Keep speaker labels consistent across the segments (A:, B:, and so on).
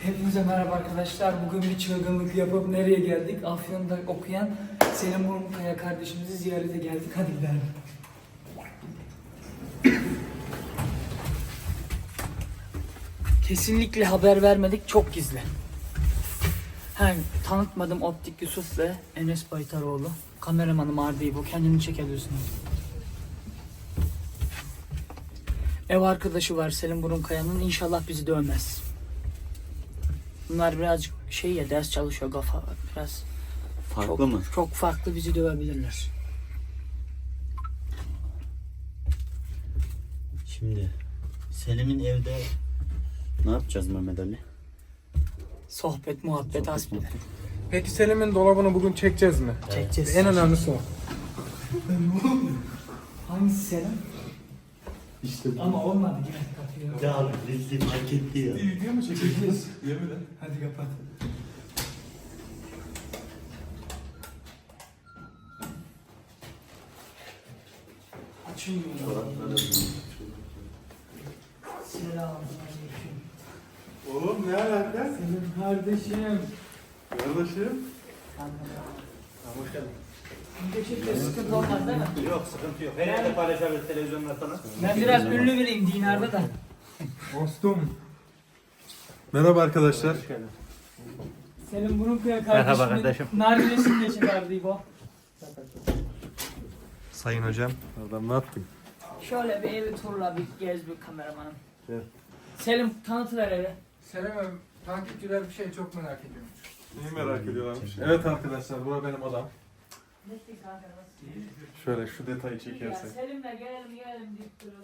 A: Hepinize merhaba arkadaşlar. Bugün bir çılgınlık yapıp nereye geldik? Afyon'da okuyan Selim Burmukaya kardeşimizi ziyarete geldik. Hadi gidelim. Kesinlikle haber vermedik. Çok gizli. Tanıtmadım Optik Yusuf ve Enes Baytaroğlu. Kameramanım Ardi bu. Kendini çekebilirsiniz. Ev arkadaşı var Selim Burmukaya'nın. İnşallah bizi dövmez. Bunlar birazcık ders çalışıyor, kafa biraz
B: farklı mı?
A: Çok farklı, bizi dövebilirler.
B: Şimdi Selim'in evde ne yapacağız Mehmet Ali?
A: Sohbet, muhabbet, hasbihal.
C: Peki Selim'in dolabını bugün çekeceğiz mi?
A: Çekeceğiz.
C: En önemlisi o.
A: Hangisi Selim?
B: İşte bu.
A: Ama olmadı, gel kapıyı.
B: Ya abi rezil hak etti ya.
C: Video mu çekeceğiz? Yemin et.
A: Hadi kapat. Açılmıyor. Selamünaleyküm.
C: Oğlum ne alaka?
A: Selim kardeşim.
C: Kardeşim.
B: Hoş geldin.
A: Gerçekten sıkıntı olmaz değil mi?
B: Yok sıkıntı yok. Her yerde paylaşabilir televizyonda sana.
A: Ben biraz ünlü biriyim dinarda da.
C: Dostum. Merhaba arkadaşlar.
B: Hoş geldin.
A: Selim Burmukaya
B: Merhaba
A: kardeşimin
B: kardeşim.
A: nargilesini de çıkardı bu.
C: Sayın hocam. Adam ne yaptın?
A: Şöyle bir evi turla bir gez bir kameramanım.
C: Evet.
A: Selim tanıtıver evi.
D: Selam'ım, takipçiler bir şey çok merak ediyormuş.
C: Neyi merak ediyorlarmış? Evet arkadaşlar, bura benim odam. Şöyle şu detayı çekersek.
A: Selim'le gelelim deyip duruyoruz.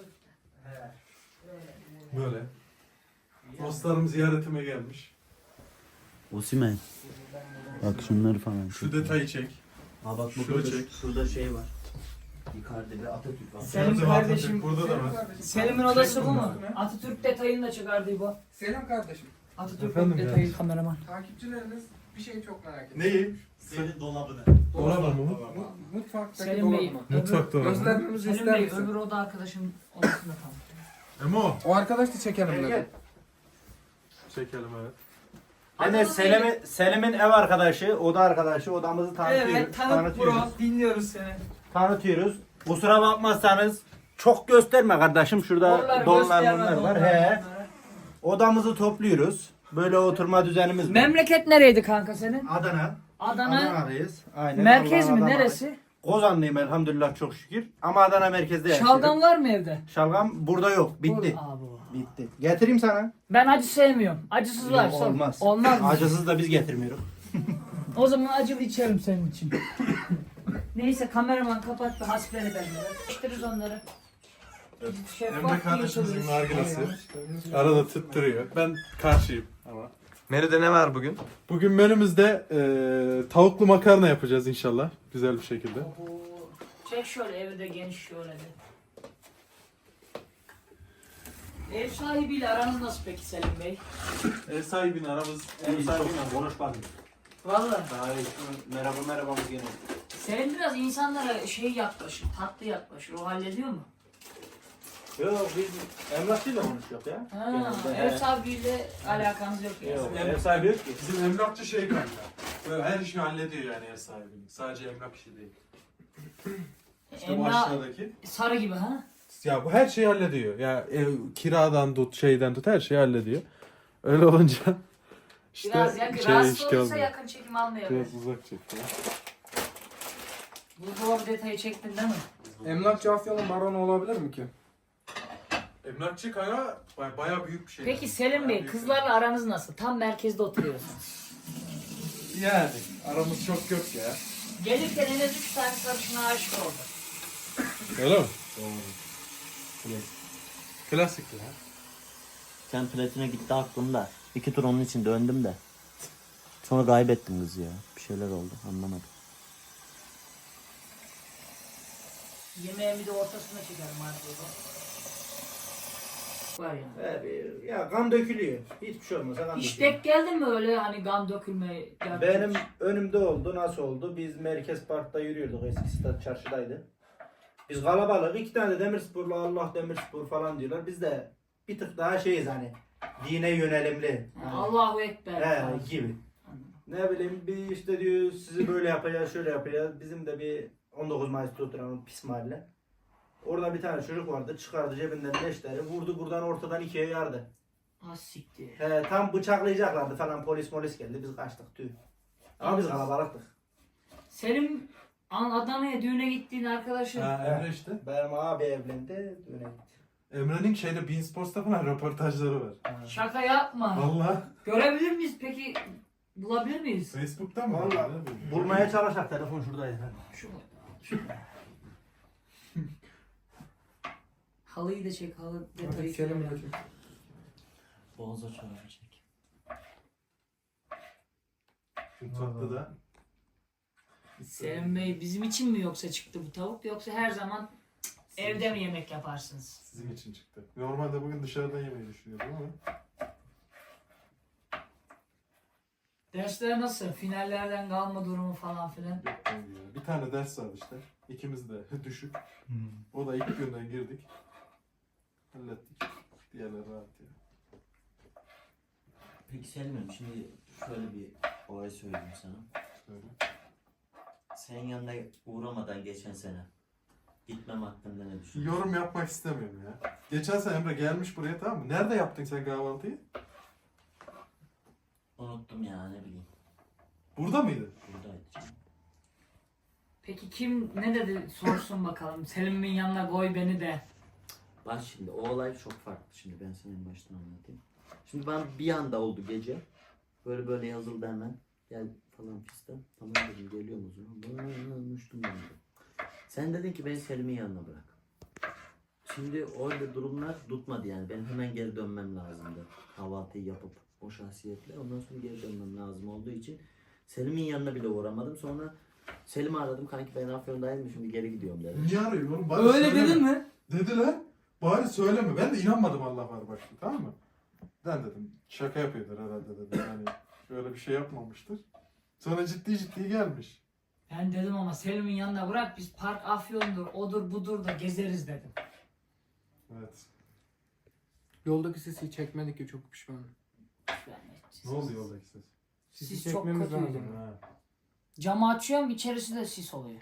C: Böyle. Dostlarım ziyaretime gelmiş.
B: Osimhen. Bak şunları falan.
C: Şu detayı çek.
B: Ha bak
C: Şunu
B: burada
C: çek.
B: şurada şey var. Icardi ve Atatürk var.
A: Selim
C: Nerede
A: kardeşim-
C: Atatürk? Burada da var.
A: Selim'in odası bu mu? Atatürk detayını da çıkardı bu.
D: Selam kardeşim,
A: Atatürk
C: Efendim
A: detayı
C: yani.
A: kameraman.
D: takipçileriniz bir şey çok merak ediyor.
C: Neyi?
B: Senin dolabını.
C: Dolabı mı?
D: Mutfaktaki
A: Selim Bey,
D: dolabı.
C: Mutfak dolabı.
D: Göstermemizi
A: Selim
D: ister
A: Bey
D: misin?
A: öbür oda arkadaşım odasında tam.
C: Emo.
D: O arkadaş da çekelim dedi.
C: Çekelim evet.
B: Enes Selim'in ev arkadaşı, oda arkadaşı, odamızı tanıtıyoruz.
A: Evet tanıt bro, dinliyoruz seni.
B: Tanıtıyoruz. Kusura bakmazsanız çok gösterme kardeşim. Şurada donlar bunlar var. He. Odamızı topluyoruz. Böyle oturma düzenimiz var.
A: Memleket nereydi kanka senin?
B: Adana.
A: Adana.
B: Adana'dayız. Aynen.
A: Merkez
B: Allah'ın
A: mi?
B: Adana'dayız.
A: Neresi?
B: Kozanlıyım elhamdülillah çok şükür. Ama Adana merkezde yaşıyorum.
A: Şalgam var mı evde?
B: Şalgam burada yok. Bitti.
A: Aa, bu.
B: Bitti. Getireyim sana.
A: Ben acı sevmiyorum. Acısız var.
B: Yok, olmaz.
A: Olmaz mı?
B: Acısız da biz getirmiyoruz.
A: O zaman acılı içerim senin için. Neyse kameraman kapat da hasbihal edelim. İçtiririz onları.
C: Emre kardeşimizin nargilesi. Arada tüttürüyor. Ben karşıyım ama.
E: Menüde ne var bugün?
C: Bugün menümüzde tavuklu makarna yapacağız inşallah. Güzel bir şekilde.
A: Çek şöyle evi de geniş şöyle de. Ev sahibiyle aranız nasıl peki Selim Bey?
C: Ev sahibinin aramız
B: Ev sahibiyle konuşmadım.
A: Vallahi.
B: Daha iyi. Merhabamız gene.
A: Selim biraz insanlara yaklaşır, tatlı yaklaşır. O hallediyor mu?
B: Yok biz emlakçıyla konuşuyoruz ya.
A: Ha,
B: Genelde,
A: ev
B: he.
A: sahibiyle alakanız yok yani.
B: Yok, ev sahibi yok ki.
C: Bizim emlakçı şey kanka. Böyle her işi hallediyor yani ev sahibinin. Sadece emlak işi değil. İşte bu aşağıdaki.
A: Sarı gibi ha?
C: Ya bu her şeyi hallediyor. Ya ev kiradan tut, şeyden tut her şeyi hallediyor. Öyle olunca işte
A: Biraz yakın,
C: şeye
A: rahatsız
C: işgal
A: olursa
C: oluyor.
A: yakın çekim almayalım.
C: Biraz uzak çek ya.
A: Bu doğru detayı çektin değil mi?
D: Emlakçı Afyon'un baronu olabilir mi ki?
C: Emlakçı kanka bayağı büyük bir şey.
A: Peki Selim Bey, kızlarla aranız nasıl? Tam merkezde oturuyorsunuz.
C: Yani aramız çok yok ya.
A: Gelirken en az 3 tane sarışına aşık oldu.
C: Öyle mi?
B: Doğru.
C: Klasik ya.
B: Sen platine gitti aklımda. 2 tur onun için döndüm de. Sonra kaybettim kızı ya. Bir şeyler oldu anlamadım.
A: Yemeğimi de ortasına çekerim artık. Var yani.
B: Ya kan dökülüyor. Hiçbir şey olmaz. Kan
A: Hiç
B: dökülüyor.
A: denk geldin mi öyle hani kan dökülme?
B: Benim önümde oldu. Nasıl oldu? Biz Merkez Park'ta yürüyorduk. Eski stat çarşıdaydı. Biz kalabalık. 2 tane de Demirsporlu Allah Demirspor falan diyorlar. Biz de bir tık daha şeyiz hani. Dine yönelimli.
A: Allahu Ekber.
B: He gibi. Ne bileyim bir işte diyor sizi böyle yapacağız şöyle yapacağız. Bizim de bir 19 Mayıs'ta oturan pis mahalle. Orada bir tane çocuk vardı çıkardı cebinden leşleri vurdu buradan ortadan ikiye yardı.
A: Az siktir.
B: He, tam bıçaklayacaklardı falan polis geldi biz kaçtık tüy. Ama biz kalabalıktık.
A: Senin Adana'ya düğüne gittiğin arkadaşın.
C: Ha Emre işte.
B: Benim abi evlendi düğüne gitti.
C: Emre'nin şeyde Bean Sports'ta falan röportajları var.
A: Şaka yapma.
C: Valla.
A: Görebilir miyiz peki? Bulabilir miyiz?
C: Facebook'tan mı?
B: Valla bulmaya çalışak telefon şuradaydı.
A: Şu. Halıyı da çek, halı detayı.
D: Selim'le çek.
E: Boğaza çorabı çek.
C: Mutfakta da.
A: Selim Bey bizim için mi yoksa çıktı bu tavuk yoksa her zaman evde mi yemek yaparsınız?
C: Sizin için çıktı. Normalde bugün dışarıdan yemeyi düşünüyordum ama.
A: Dersler nasıl? Finallerden kalma durumu falan filan.
C: Yok bence ya. Bir tane ders vardı işte. İkimiz de düşük. O da ilk günden girdik. Hallettik. Diğerleri rahat ya.
E: Peki Selim'im şimdi şöyle bir olay söyleyeyim sana.
C: Söyle.
E: Senin yanına uğramadan geçen sene gitmem hakkında ne düşünüyorsun?
C: Yorum yapmak istemiyorum ya. Geçen sene Emre gelmiş buraya tamam mı? Nerede yaptın sen kahvaltıyı?
E: Unuttum ya ne bileyim.
C: Burada mıydı?
E: Buradaydı canım.
A: Peki kim ne dedi sorsun bakalım. Selim'in yanına koy beni de.
E: Bak şimdi o olay çok farklı şimdi ben senin baştan anlatayım. Şimdi ben bir anda oldu gece. Böyle yazıldı hemen. Gel falan fistan. Tamam dedim geliyorum o zaman. Uçtum ben de. Sen dedin ki beni Selim'in yanına bırak. Şimdi orada durumlar tutmadı yani. Ben hemen geri dönmem lazımdı. Kahvaltıyı yapıp o şahsiyetle. Ondan sonra geri dönmem lazım olduğu için Selim'in yanına bile uğramadım. Sonra Selim'i aradım. Kanki ben Afyon'dayım şimdi geri gidiyorum dedim.
C: Niye arıyorum? Bari
A: Öyle
C: söyleme.
A: dedin mi?
C: Dediler. Bari söyleme. Ben de inanmadım Allah var başta tamam mı? Ben dedim şaka yapıyordur herhalde dedim. Yani böyle bir şey yapmamıştır. Sonra ciddi gelmiş.
A: Ben dedim ama Selim'in yanına bırak biz park Afyon'dur, odur budur da gezeriz dedim.
C: Evet.
D: Yoldaki sesi çekmedik ya çok pişmanım.
C: Ne oldu yoldaki ses?
D: Sisi
A: Sis çok
D: çekmemiz
A: kötüydü.
D: lazım.
C: Ha.
A: Camı açıyorum içerisi de sis oluyor.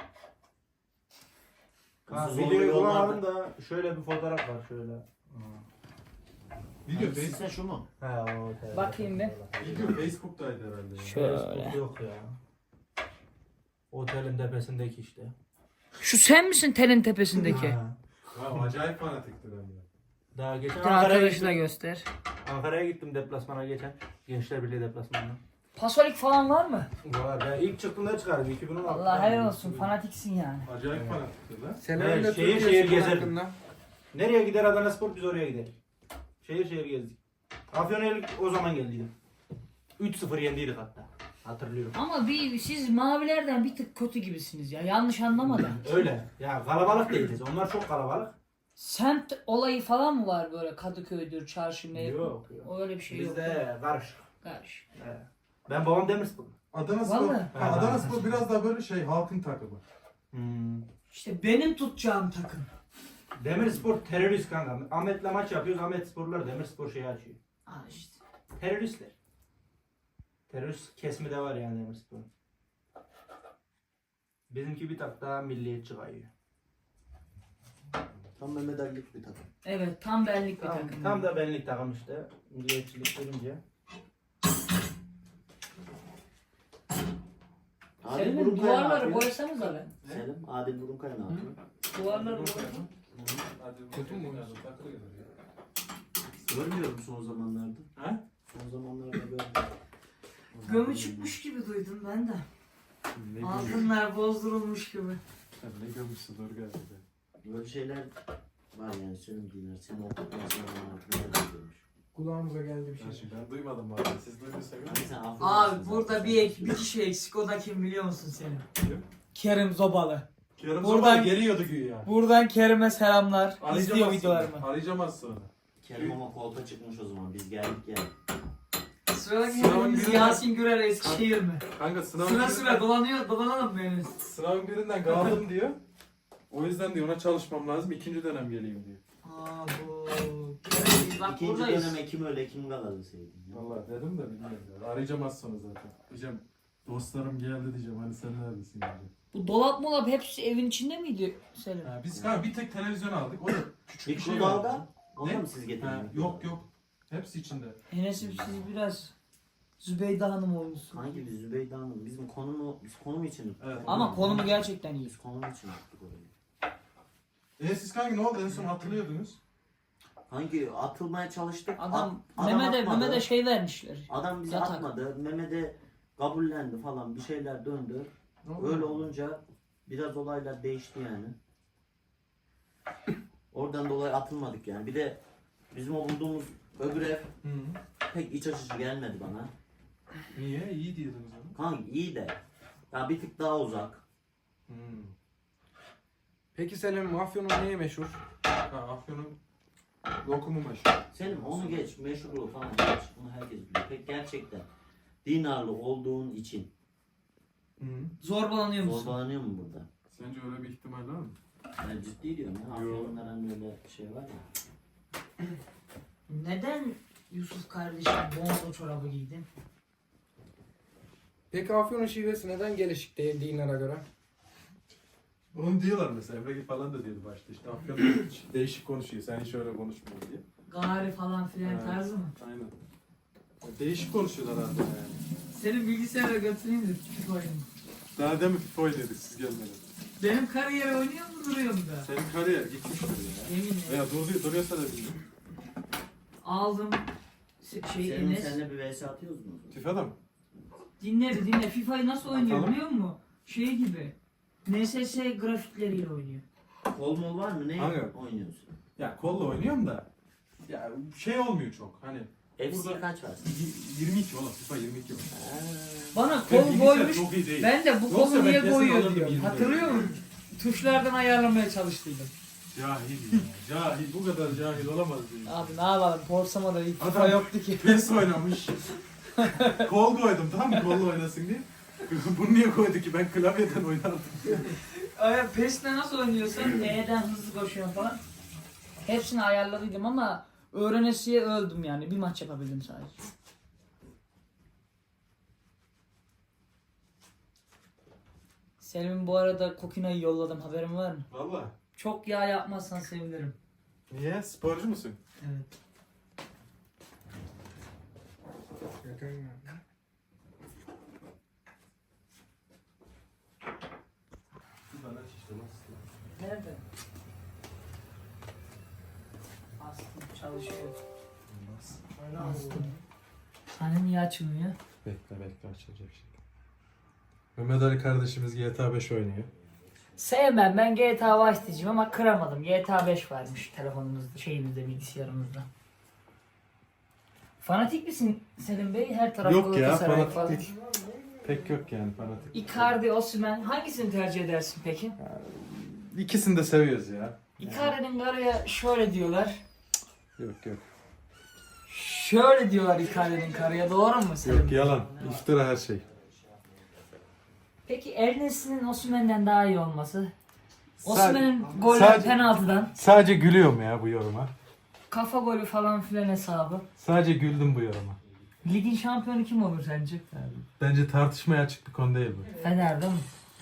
E: Zorlu
B: Videoyu
E: yollarda-
B: bulamadım da şöyle bir fotoğraf var şöyle.
C: Video,
E: Hangisi şu mu?
B: He o.
A: Bakayım bir.
C: Video Facebook'taydı herhalde. Ya.
A: Şöyle.
B: Yok ya. Otelin tepesindeki işte.
A: Şu sen misin telin tepesindeki?
B: Ha.
C: Ya, acayip fanatikti bende.
B: Daha geçen
A: Bir
B: Ankara'ya
A: arkadaşı da
B: gittim.
A: göster.
B: Ankara'ya gittim deplasmana geçen. Gençler Birliği deplasmanına.
A: Pasolik falan var mı?
B: Var. Ben ilk çıktığımda çıkardım 2016.
A: Allah helal olsun fanatiksin yani.
C: Acayip fanatikti lan.
D: Selim'le
B: Evet, şehir
D: Türkiye
B: şehir
D: spor
B: gezerim.
D: hakkında.
B: Nereye gider Adanaspor biz oraya gideriz. Şehir gezdik. Afyon'a o zaman geldiydim. 3-0 yendiydik hatta. Hatırlıyorum.
A: Ama siz mavilerden bir tık kötü gibisiniz ya. Yanlış anlamadım.
B: Öyle. Ya kalabalık değiliz. Onlar çok kalabalık.
A: Semt olayı falan mı var böyle Kadıköy'dür, çarşı mevki?
B: Yok.
A: Öyle bir şey yok.
B: Bizde karışık.
A: Karış.
B: He. Ben babam Demirspor.
C: Adanaspor,
A: Vallahi.
C: Adanaspor biraz daha böyle şey halkın takımı.
A: İşte benim tutacağım takım.
B: Demirspor terörist kanka. Ahmet'le maç yapıyoruz. Ahmet Sporlar Demirspor şeyi açıyor.
A: Al işte.
B: Teröristler. Terörist kesimi de var yani Demirspor'un. Bizimki bir tak daha milliyetçi kayıyor.
E: Tam Mehmet Ali'lik bir takım.
A: Evet tam benlik bir
B: Tam,
A: takım.
B: tam da benlik takım işte. Milliyetçilik verince.
A: Selim'in
E: Burunkaya ne
A: duvarları
E: yapıyor?
A: boyasanız abi.
E: Selim, Adil Burunkaya ne yapıyor?
A: Duvarları boyasanız.
D: Kötü mü?
E: Görmüyorum son zamanlarda.
B: Ha?
E: Son zamanlarda görmüyorum.
A: Gömü çıkmış gibi duydum ben de.
C: Ne gömüş?
A: Altınlar bozdurulmuş gibi.
C: Sen ne gömüşsün dur geldi.
E: Böyle şeyler var yani senin dinler. Sen okutmasın zamanlarda neler görmüş.
D: Kulağımıza geldi bir
C: Ben,
D: şey.
C: ben duymadım bari. Siz duyduysanız.
E: Hani sen Afrodit'sin
A: Abi
E: zaten.
A: burada bir kişi eksik o da kim biliyor musun senin?
C: Kim?
A: Kerim Zobalı.
C: Yarım
A: Buradan-
C: zaman geliyordu güya.
A: Buradan Kerim'e selamlar.
C: Arayacağım
A: İzliyor
C: az sonra.
A: videolarımı.
C: Arayacağım az sonra.
E: Kerim ama kolpa çıkmış o zaman. Biz geldik yani.
A: Sıradaki
C: Sınavın
A: hedefimiz
C: birinden-
A: Yasin Gürer Eskişehir mi?
C: Kanka
A: Sıra sıra dolanalım böyle.
C: Sınavın birinden kaldım diyor. O yüzden diyor ona çalışmam lazım. 2. dönem geleyim diyor.
A: Aa bu Biz bak
E: İkinci
A: buradayız.
E: döneme kim öyle kim kalalı sevdim. Ya.
C: Vallahi dedim de bilmiyorum ya. Arayacağım az sonra zaten. Diyeceğim dostlarım geldi diyeceğim. Hani sen neredesin diyeceğim.
A: Bu dolap molap hepsi evin içinde miydi Selim?
C: Ha, biz bir tek televizyon aldık. O da küçük bir şey
E: Mikrodalga?
C: vardı.
E: Onu
C: Ne?
E: mu siz getirdiniz?
C: Yok yok. Hepsi içinde.
A: Enes'im siz biraz Zübeyde Hanım olmuşsun.
E: Hangi biz Zübeyde Hanım? Biz konum için.
C: Evet.
A: Ama konumu gerçekten iyi.
E: Biz konum için yaptık orayı.
C: Siz kanka ne oldu? En son hatırlıyordunuz.
E: Hangi atılmaya çalıştık.
A: Adam
E: adam
A: Mehmet'e
E: atmadı.
A: Mehmet'e şey vermişler.
E: Adam bizi
A: Yatak.
E: atmadı. Mehmet'e kabullendi falan. Bir şeyler döndü.
C: Ne oldu?
E: Öyle olunca biraz olaylar değişti yani. Oradan dolayı atılmadık yani. Bir de bizim o bulduğumuz öbür ev
C: Hı.
E: pek iç açıcı gelmedi bana.
C: Niye? İyi diyordunuz onu.
E: Kanka iyi de ya bir tık daha uzak.
C: Hı.
D: Peki Selim Afyon'un neyi meşhur?
C: Ha, Afyon'un lokumu meşhur.
E: Senin onu geç, meşhurluğu falan geç. Bunu herkes biliyor. Pek gerçekten dinarlı olduğun için
C: Hı.
A: Zorbalanıyor musun?
E: zorbalanıyor mu burada?
C: Sence öyle bir ihtimal var mı?
E: Ben ciddi diyorum ya. Afyonların böyle şey var ya.
A: Neden Yusuf kardeşim bonzo çorabı giydin?
D: Peki Afyon'un şivesi neden gelişik değil dinlere göre?
C: Onu diyorlar mesela. Emre falan da diyordu başta. İşte Afyon değişik konuşuyor. Sen hiç öyle konuşmuyor diye.
A: Gari falan filan
C: Evet.
A: tarzı mı?
C: Aynen. Değişik konuşuyorlar artık yani.
A: Seni bilgisayara götüreyim de küçük oyun.
C: Daha demin FIFA oynadık siz gelmeden.
A: Benim kariyer oynuyor mu duruyor mu da?
C: Senin kariyer gitmiştir ya.
A: Eminim.
C: Veya duruyorsa da bilmiyorum.
A: Aldım şey
E: Senin
A: Enes.
E: seninle bir vs atıyoruz mu?
C: FIFA'da mı?
A: Dinle. FIFA'yı nasıl oynuyor
C: Atalım.
A: biliyor musun? Şey gibi. NSS grafikleriyle oynuyor.
E: Kol mol var mı? Ne
C: Hangi?
E: oynuyorsun?
C: Ya kolla oynuyorum da. Ya şey olmuyor çok. Hani
E: FC
C: Burada-
E: kaç var?
C: 22 oğlum. FIFA 22 var.
A: Bana
C: Ben
A: kol
C: bilgisayar
A: koymuş.
C: çok iyi değil.
A: Ben de bu
C: Yoksa
A: kolu
C: ben
A: niye
C: kesin
A: koyuyor
C: alırdım
A: diyorum.
C: 20'de.
A: Hatırlıyor musun? Tuşlardan ayarlamaya çalıştıydım.
C: Cahil ya. Cahil. Bu kadar cahil olamaz diyor.
A: Abi ne yapalım? Borsamada ilk FIFA
C: Adam-
A: yoktu ki.
C: PES oynamış. Kol koydum tamam mı? Kolla oynasın diye. Bunu niye koydu ki? Ben klavyeden oynardım.
A: PES'le nasıl oynuyorsan E'den hızlı koşuyor falan. Hepsini ayarladıydım ama öğrenesiye öldüm yani. Bir maç yapabildim sadece. Selim'in bu arada Kokina'yı yolladım. Haberin var mı?
C: Valla.
A: Çok yağ yapmazsan sevinirim.
C: Niye? Sporcu musun?
A: Evet. Nerede? Astım çalışıyor. Astım. Hani niye açılmıyor?
C: Bekle açacak şimdi. Mehmet Ali kardeşimiz GTA 5 oynuyor.
A: Sevmem, ben GTA Vice diyeceğim ama kıramadım. GTA 5 varmış telefonumuzda, şeyimizde, bilgisayarımızda. Fanatik misin Selim Bey? Her taraf
C: Yok ya,
A: Galatasaray
C: fanatik
A: falan.
C: değil. Pek yok yani fanatik.
A: Icardi, Osimhen hangisini tercih edersin peki?
C: İkisini de seviyoruz ya.
A: Icardi'nin karıya şöyle diyorlar.
C: Yok.
A: Şöyle diyorlar Icardi'nin karıya, doğru mu Selim?
C: Yok yalan. İftira her şey.
A: Peki Ernest'in Osimhen'den daha iyi olması?
C: Sa-
A: Osimhen'in golü
C: sadece-
A: penaltıdan,
C: Sadece gülüyorum ya bu yoruma.
A: kafa golü falan filan hesabı.
C: Sadece güldüm bu yoruma.
A: Ligin şampiyonu kim olur sence?
C: Bence tartışmaya açık bir konu değil bu.
A: Fener değil mi?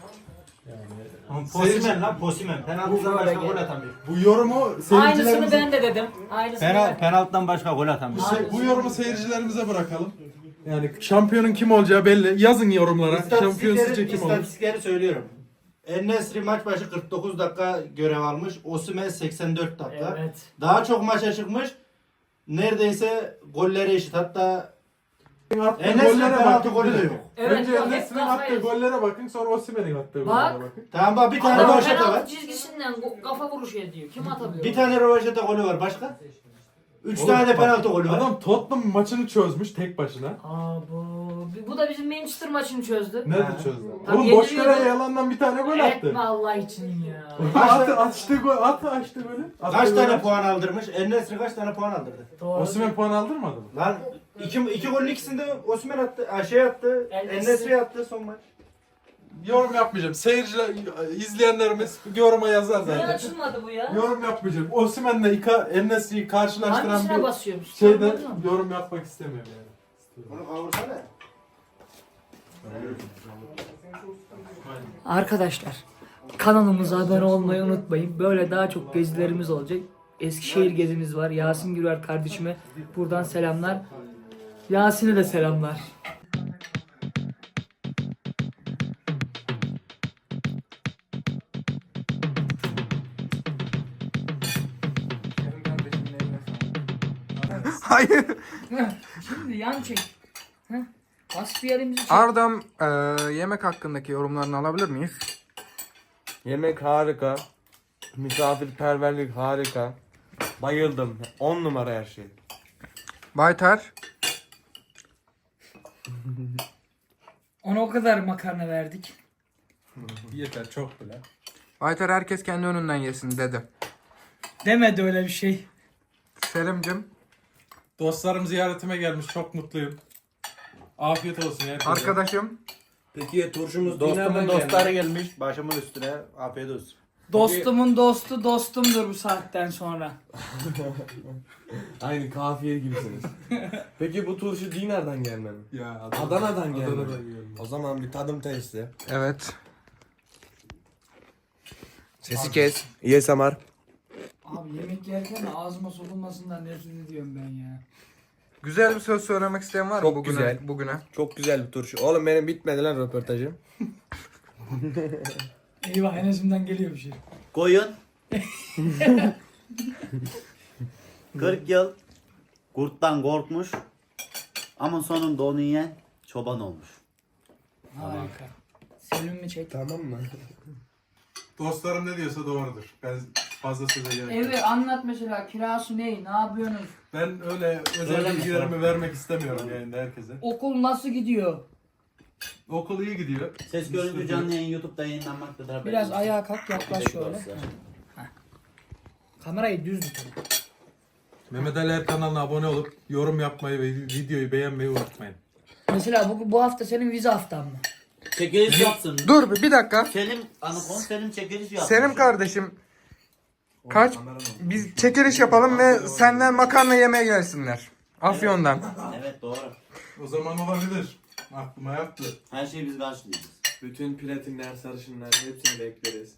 B: Posimen lan Posimen. Penaltıdan başka gol atamıyor.
C: Bu yorumu
A: Aynısını
C: seyircilerimize,
A: ben de dedim. Aynısını ben.
B: Penaltıdan başka gol atamıyor.
C: bu yorumu seyircilerimize bırakalım. Yani şampiyonun kim olacağı belli. Yazın yorumlara. Şampiyon sizce kim olur?
B: İstatistikleri söylüyorum. En-Nesyri maç başı 49 dakika görev almış. Osimhen 84 dakika.
A: Evet.
B: Daha çok maça çıkmış. Neredeyse golleri eşit. Hatta
C: Attığı
B: En-Nesyri
C: gollere
B: penaltı
C: bakın.
B: golü de yok.
A: Evet,
C: Önce
A: yok, hep
C: Enes'in
A: kafayı-
C: attığı gollere bakın, sonra Osimhen'in attığı
A: Bak.
C: gollere bakın.
B: Tamam bak bir tane
A: Adam
B: rövaşata
A: penaltı
B: var.
A: çizgisinden kafa vuruşu ediyor. Kim atabiliyor?
B: Bir tane rövaşata golü var. Başka? 3
C: Oğlum,
B: tane de
C: bak,
B: penaltı golü var.
C: Adam Tottenham maçını çözmüş tek başına.
A: Aa bu da bizim Manchester maçını çözdü.
C: Nerede çözdü?
A: Tabii
C: Oğlum boş
A: yeniliyordu.
C: kaleye yalandan bir tane gol attı.
A: Etme Allah için ya.
C: Açtı golü.
B: Kaç tane puan aldırmış? En-Nesyri kaç tane puan aldırdı?
A: Doğru.
C: Osimhen puan aldırmadı mı?
B: Lan iki golün ikisinde Osimhen attı. Şey attı.
A: En-Nesyri.
B: En-Nesyri attı son maç.
C: yorum yapmayacağım. Seyirciler, izleyenlerimiz yoruma yazar
A: Niye
C: zaten.
A: açılmadı bu ya?
C: Yorum yapmayacağım. Osimhen'le En-Nesyri'yi karşılaştıran
A: Hangisine
C: bir
A: basıyormuş?
C: şeyde
A: Anladın mı?
C: yorum yapmak istemiyorum yani.
B: Bunu kavursana.
A: Arkadaşlar kanalımıza abone olmayı unutmayın. Böyle daha çok gezilerimiz olacak. Eskişehir gezimiz var. Yasin Gürer kardeşime buradan selamlar. Yasin'e de selamlar.
D: Benim kardeşimin eline sağlık.
F: Hayır.
A: Şimdi yan çek. Heh. Hasbiyerimizi çek.
F: Ardam yemek hakkındaki yorumlarını alabilir miyiz?
G: Yemek harika. Misafirperverlik harika. Bayıldım. 10 numara her şey.
F: Baytar.
A: Ona o kadar makarna verdik.
C: Yeter çok bile.
F: Baytar herkes kendi önünden yesin dedi.
A: Demedi öyle bir şey.
F: Selim'cim.
C: Dostlarım ziyaretime gelmiş. Çok mutluyum. Afiyet olsun herkese.
F: Arkadaşım.
G: Peki turşumuz
B: Dostumun dostları gelmiş. Başımın üstüne. Afiyet olsun.
A: Dostumun dostu dostumdur bu saatten sonra.
G: Aynı kafiye gibisiniz. Peki bu turşu Dinar'dan gelme mi?
C: Ya
G: Adana'dan gelme.
C: Adana'dan gelme.
G: O zaman bir tadım testi.
F: Evet. Sesi kes.
G: ASMR.
A: Abi yemek yerken de ağzıma sokulmasından nefret ediyorum ben ya.
F: Güzel bir söz söylemek isteyen var mı
G: Çok
F: bugüne?
G: güzel.
F: Bugüne.
G: Çok güzel bir turşu. Oğlum benim bitmedi lan röportajım.
A: Eyvah Enes'imden geliyor bir şey.
E: Koyun. 40 yıl kurttan korkmuş ama sonunda onu yiyen çoban olmuş.
A: Harika. Selim mi çek?
G: Tamam mı?
C: Dostlarım ne diyorsa doğrudur. Ben fazla söze gerek yok.
A: Evet anlat mesela kirası ne yapıyorsunuz?
C: Ben öyle özel
E: Öyle mi?
C: bilgilerimi vermek istemiyorum yayında herkese.
A: Okul nasıl gidiyor?
C: Okul iyi gidiyor.
E: Ses görüntü canlı yayın YouTube'da yayınlanmaktadır. haberiniz
A: Biraz
E: olsun.
A: ayağa kalk yaklaş şöyle.
E: Olsun.
A: Kamerayı düz tut.
C: Mehmet Ali Er kanalına abone olup yorum yapmayı ve videoyu beğenmeyi unutmayın.
A: Mesela bu hafta senin vize haftan mı?
E: Çekiliş yapsın.
F: Dur bir dakika.
E: Selim Anakon Selim çekiliş yapsın.
F: Selim kardeşim. Kaç? Biz çekiliş yapalım ve senden makarna yemeye gelsinler. Afyon'dan.
E: Evet doğru.
C: O zaman olabilir. Aklıma yattı.
E: Her şeyi biz karşılayacağız.
G: Bütün platinler, sarışınlar hepsini bekleriz.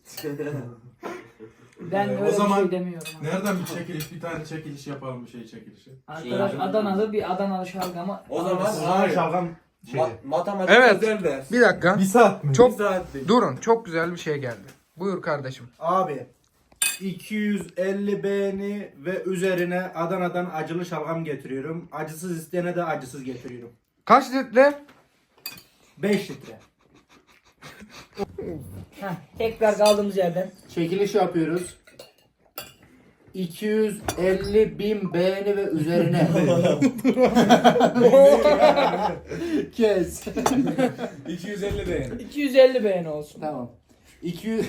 A: Ben
C: O
A: öyle
C: zaman
A: bir şey demiyorum.
C: Nereden bir çekiliş, bir tane çekiliş yapalım bir şey çekilişi.
A: Arkadaş Adanalı bir Adanalı şalgamı.
G: O zaman
B: Hayır. Şalgam
G: matematik
F: Evet.
G: özel ders.
F: Bir dakika.
C: Bir saat mi?
F: Çok
G: Bir saatlik.
F: durun. Çok güzel bir şey geldi. Buyur kardeşim.
B: Abi 250 beğeni ve üzerine Adana'dan acılı şalgam getiriyorum. Acısız isteyene de acısız getiriyorum.
F: Kaç litre?
B: 5 litre.
A: Tekrar kaldığımız yerden.
B: Çekiliş yapıyoruz. 250.000 beğeni ve üzerine. Kes.
G: 250 beğeni.
A: 250 beğeni olsun.
B: Tamam. 200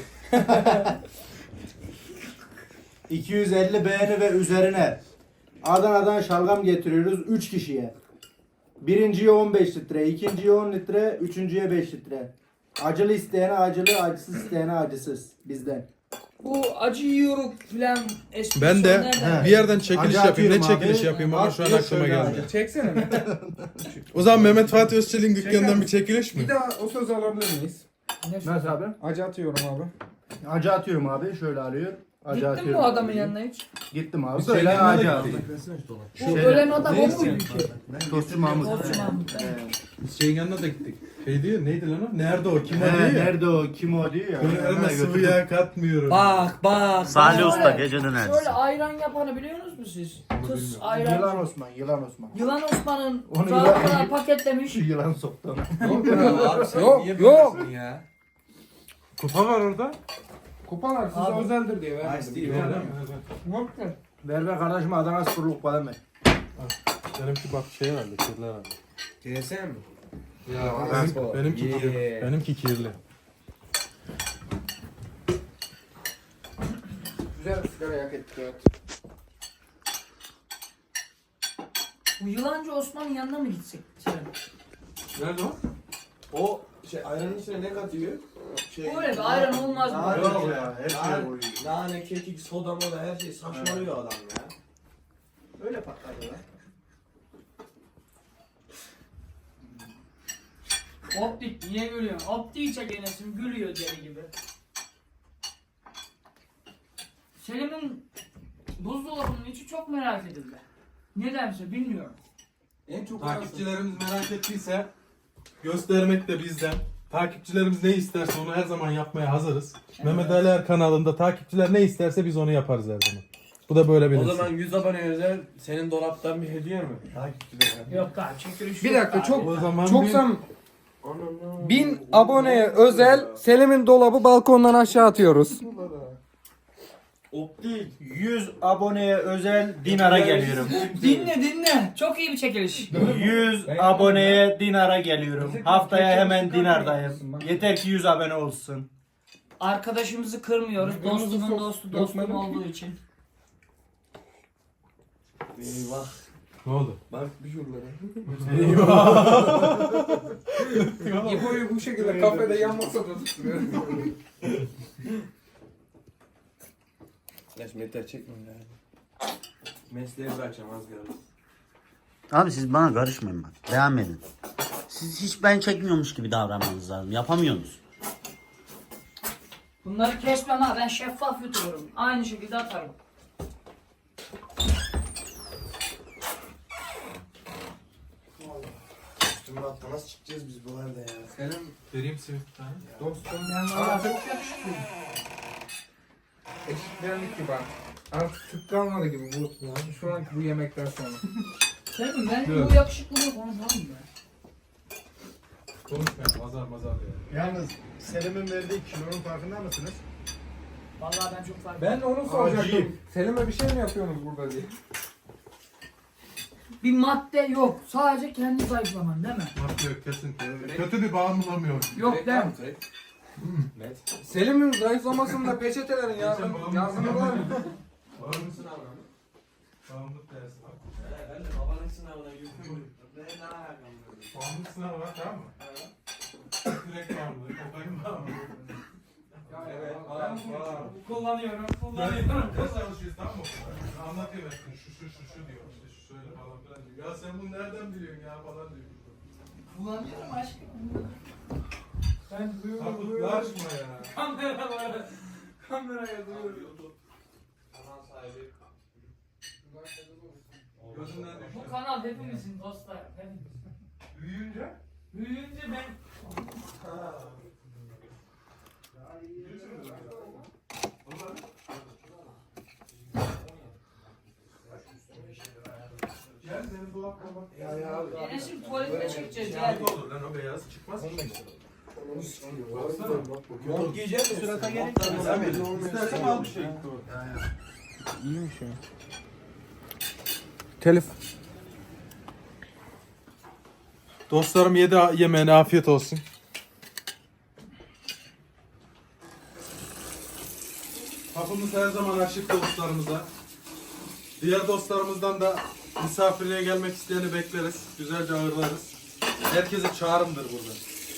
B: 250 beğeni ve üzerine Adana'dan şalgam getiriyoruz 3 kişiye. Birinciye 15 litre, ikinciye 10 litre, üçüncüye 5 litre. Acılı isteyene acılı, acısız isteyene acısız bizden.
A: Bu acı yiyoruz filan esprisi
C: Ben de
A: nereden?
C: bir yerden çekiliş
B: Acı
C: yapayım. Ne
B: atıyorum
C: çekiliş
B: abi.
C: yapayım ama şu an
B: At,
C: aklıma
B: şöyle
C: geldi.
B: acı.
D: Çeksene mi?
C: O zaman Mehmet Fatih Özçelik'in dükkanından bir çekiliş mi?
D: Bir daha o sözü alabilir miyiz?
B: Nasıl abi?
D: Acı atıyorum abi.
B: Acı atıyorum abi. Şöyle alıyor. Acı
A: Gittin mi
B: atıyorum.
A: o adamın yanına hiç?
B: Gittim abi.
C: Biz
B: Böyle
C: yanına
B: acı
C: da
B: atıyorum.
A: Bu ölen adam o muydu ki?
B: Tostçu Mahmut.
A: Tostçu Mahmut.
C: Biz şeyin yanına da gittik. Şey diyor neydi lan o? Nerede o? Kim o
B: He,
C: diyor ya.
B: nerede o? Kim o diyor ya.
C: Böyle
B: Yanına
C: elime sıvı
B: götürdüm.
C: yağ katmıyorum.
A: Bak.
E: Salih
A: Şöyle-
E: Usta gece dönercisi.
A: Şöyle ayran yapanı biliyor musunuz siz? Tıs ayran.
B: Yılan Osman, Yılan Osman.
A: Yılan Osman'ın
B: Onu
A: sağlıkla paketlemiş.
B: Yılan soktu ona.
F: Yok.
G: Ya.
C: Kupa var orada.
D: Kupalar size
A: Abi.
D: özeldir diye vermedim.
G: Nice değil,
C: Ver,
G: öyle
C: ver,
G: mi?
C: ver.
A: Yok ki.
B: Ver kardeşim Adana Sporluk falan ver.
C: Benimki bak şey herhalde kirli herhalde.
G: GSM mi?
C: Ya benimki
G: Yeah.
C: kirli. Benimki kirli.
D: Güzel bir sigara yak ettik evet.
A: Bu yılancı Osman'ın yanına mı gitsek? Selim?
C: Nerede o?
E: O
G: Ayranın içine ne katıyor?
A: Öyle bir ayran olmaz mı?
B: Daha
G: Yok
B: yok
G: ya,
B: ya. Her şey koyuyor.
G: Nane, kekik, soda moda her şey saçmalıyor adam ya.
B: Öyle patladı lan.
A: Optik niye gülüyorsun? Optiği çek Enes'im gülüyor deli gibi. Selim'in buzdolabının içi çok merak edildi. Nedense bilmiyorum.
D: En çok
C: Takipçilerimiz merak ettiyse göstermek de bizden. Takipçilerimiz ne isterse onu her zaman yapmaya hazırız. Mehmet Ali Er kanalında takipçiler ne isterse biz onu yaparız her zaman. Bu da böyle
G: O
C: bilinsin.
G: zaman 100 abone özel senin dolaptan bir hediye mi? Takipçilere.
A: Yok daha çekiliş
F: Bir
A: yok
F: dakika
A: daha.
F: çok
C: O zaman
F: çok
C: bir-
F: sam 1000 aboneye özel Selim'in dolabı balkondan aşağı atıyoruz.
G: Optik.
B: 100 aboneye özel Dinar'a geliyorum.
A: Dinle. Çok iyi bir çekiliş.
B: 100 aboneye Dinar'a geliyorum. Haftaya hemen Dinar'dayım. Yeter ki 100 abone olsun.
A: Arkadaşımızı kırmıyoruz. Dostumun dostu dostum olduğu için.
G: Eyvah.
C: Ne oldu?
G: Bak bir şuralara.
D: İbo'yu bu şekilde kafede yan masada tutuyor.
G: Ya şimdi yeter çekmeyin yani. Mesleği bırakacağım az kaldı.
E: Abi siz bana karışmayın bak. Devam edin. Siz hiç ben çekmiyormuş gibi davranmanız lazım. Yapamıyorsunuz.
A: Bunları kesmem ha, ben şeffaf yutuyorum. Aynı şekilde atarım.
G: Üstüme hatta nasıl çıkacağız biz bu halde ya?
D: Selim
C: Vereyim simit bir tane.
D: dostum
A: Ben valla çok yakışıklıyım.
D: eşitlendik gibi artık. Artık tık kalmadı gibi bu. Şu anki bu yemekten sonra.
A: Selim ben bu yakışıklılığı konuşalım mı?
C: Konuşmayalım azar ya.
B: Yalnız Selim'in verdiği kilonun farkında mısınız?
A: Vallahi ben çok fark
D: Ben de onu soracaktım. Selim'e bir şey mi yapıyorsunuz burada diye.
A: Bir madde yok. Sadece kendi zayıflaman değil mi?
C: Madde yok kesinlikle. Kötü bir bağımlamıyor.
A: Yok değil mi?
D: Selim'in zayıflamasında peçetelerin yardımı var mı?
C: Bağımlı sınavı. Bağımlılık dersi var.
G: Ben de babanın sınavına girdim. Ben daha yakın.
C: Bağımlılık sınavı var tamam mı? Direkt bağımlılık. Kokain bağımlılık.
D: Evet.
A: Kullanıyorum.
C: Ne çalışıyoruz tamam mı? Anlatıyor ben şu diyor. İşte şu şöyle falan filan diyor. Ya sen bunu nereden biliyorsun ya falan diyor.
A: Kullanıyorum aşkım.
D: Ben
C: Sapıklaşma ya.
A: Kameraya duyuyorum.
G: Kanal sahibi.
C: Gözünden düştü.
A: Bu kanal hepimizin dostlar. Hepimiz.
C: Büyüyünce
A: Büyüyünce ben...
C: gel senin dolapta bak.
A: Enes'im tuvaletine çekeceğiz
C: Ne
A: yani.
C: olur lan o beyaz çıkmaz mı? Baksana.
G: Mont giyecek misin?
B: Surata gerek yok.
C: İstersen al bir şey.
F: İyiymiş ya. Telif.
C: Dostlarım yedi yemeğine afiyet olsun. Kapımız her zaman açık dostlarımıza. Diğer dostlarımızdan da misafirliğe gelmek isteyeni bekleriz. Güzelce ağırlarız. Herkese çağrımdır burada.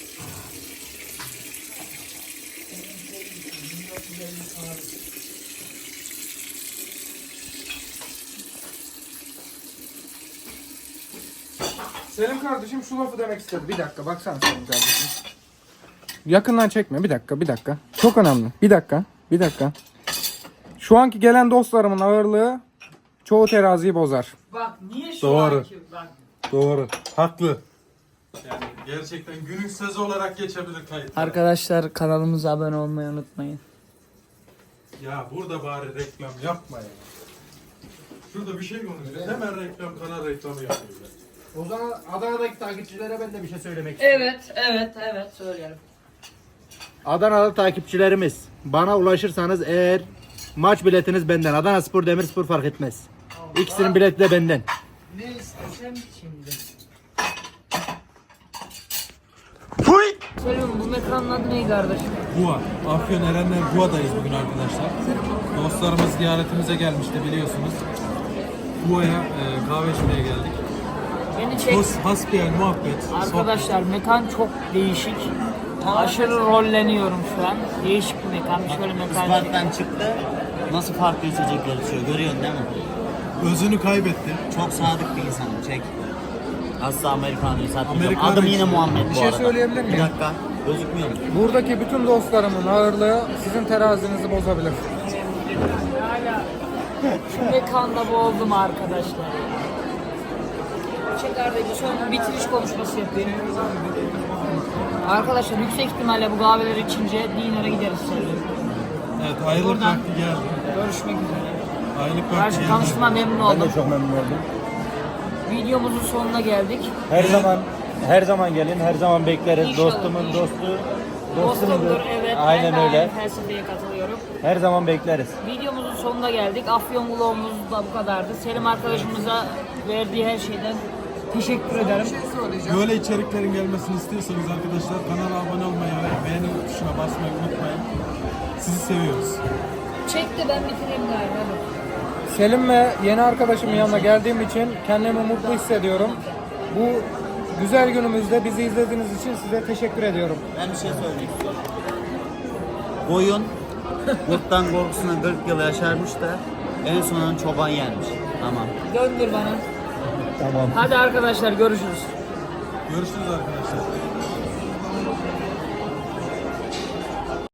F: Selim kardeşim şu lafı demek istedi. Bir dakika baksana Selim kardeşim. Yakından çekme. Bir dakika. Çok önemli. Bir dakika. Şu anki gelen dostlarımın ağırlığı çoğu teraziyi bozar.
A: Bak niye şu
C: Doğru.
A: anki... Bak
C: Doğru. Haklı. Yani gerçekten günün sözü olarak geçebilir kayıt.
A: arkadaşlar kanalımıza abone olmayı unutmayın.
C: Ya burada bari reklam yapma ya. Şurada bir şey konuşuyoruz. Hemen reklam, kanal reklamı yapıyorlar.
B: O zaman Adana'daki takipçilere ben de bir şey söylemek istiyorum.
A: Evet söyleyelim.
B: Adanalı takipçilerimiz bana ulaşırsanız eğer maç biletiniz benden. Adana Spor, Demirspor fark etmez. İkisinin bileti de benden.
A: Ne istesem şimdi. Selim bu mekanın adı ne kardeşim?
C: Guğa. Afyon Erenler Gua'dayız bugün arkadaşlar. Dostlarımız ziyaretimize gelmişti biliyorsunuz. Gua'ya kahve içmeye geldik.
A: Beni çek.
C: Hasbihal muhabbet.
A: Arkadaşlar mekan çok değişik. Aşırı rolleniyorum şu an. Değişik bir mekan. Şöyle mekan.
E: Isparta'dan çıktı. Nasıl farklı içecekler içiyor görüyorsun değil mi?
C: Özünü kaybetti.
E: Çok sadık bir insanım. Çek. Asla Amerikanlı'yı satmayacağım.
C: Amerikanlı
E: Adım yine
C: içiyor.
E: Muhammed
F: Bir
E: bu
F: şey
E: arada.
F: söyleyebilir miyim?
E: Bir dakika. Gözükmüyor mu?
F: Buradaki bütün dostlarımın ağırlığı sizin terazinizi bozabilir.
A: Şu mekanda boğuldum arkadaşlar. Çekerdeki son bitiriş konuşması yapayım. Arkadaşlar yüksek ihtimalle bu kahveleri içince dinara gideriz seninle.
C: Evet, ayrılık
A: Buradan-
C: vakti geldi.
A: Görüşmek üzere.
C: Ayrılık vakti
A: Karşı
C: geldi.
A: tanıştığıma memnun oldum.
H: Çok memnun oldum.
A: Videomuzun sonuna geldik.
H: Her zaman gelin, her zaman bekleriz.
A: İnşallah,
H: Dostumun
A: inşallah.
H: dostu,
A: Dostumdur,
H: dostumdur.
A: evet.
H: Aynen
A: ben de
H: öyle.
A: aynı felsefeye katılıyorum.
H: Her zaman bekleriz.
A: Videomuzun sonuna geldik. Afyon vlogumuz da bu kadardı. Selim arkadaşımıza verdiği her şeyden teşekkür ederim.
C: Böyle içeriklerin gelmesini istiyorsanız arkadaşlar kanala abone olmayı ve beğeni tuşuna basmayı unutmayın. Sizi seviyoruz.
A: Çek de ben bitireyim galiba.
F: Selim ve yeni arkadaşımın yanına geldiğim için kendimi mutlu hissediyorum. Bu güzel günümüzde bizi izlediğiniz için size teşekkür ediyorum.
E: Ben bir şey söylemek istiyorum. Koyun kurttan korkusuna 40 yıl yaşarmış da en sonunda çoban yermiş. Tamam.
A: Döndür bana.
H: Tamam.
A: Hadi arkadaşlar görüşürüz.
C: Görüşürüz arkadaşlar.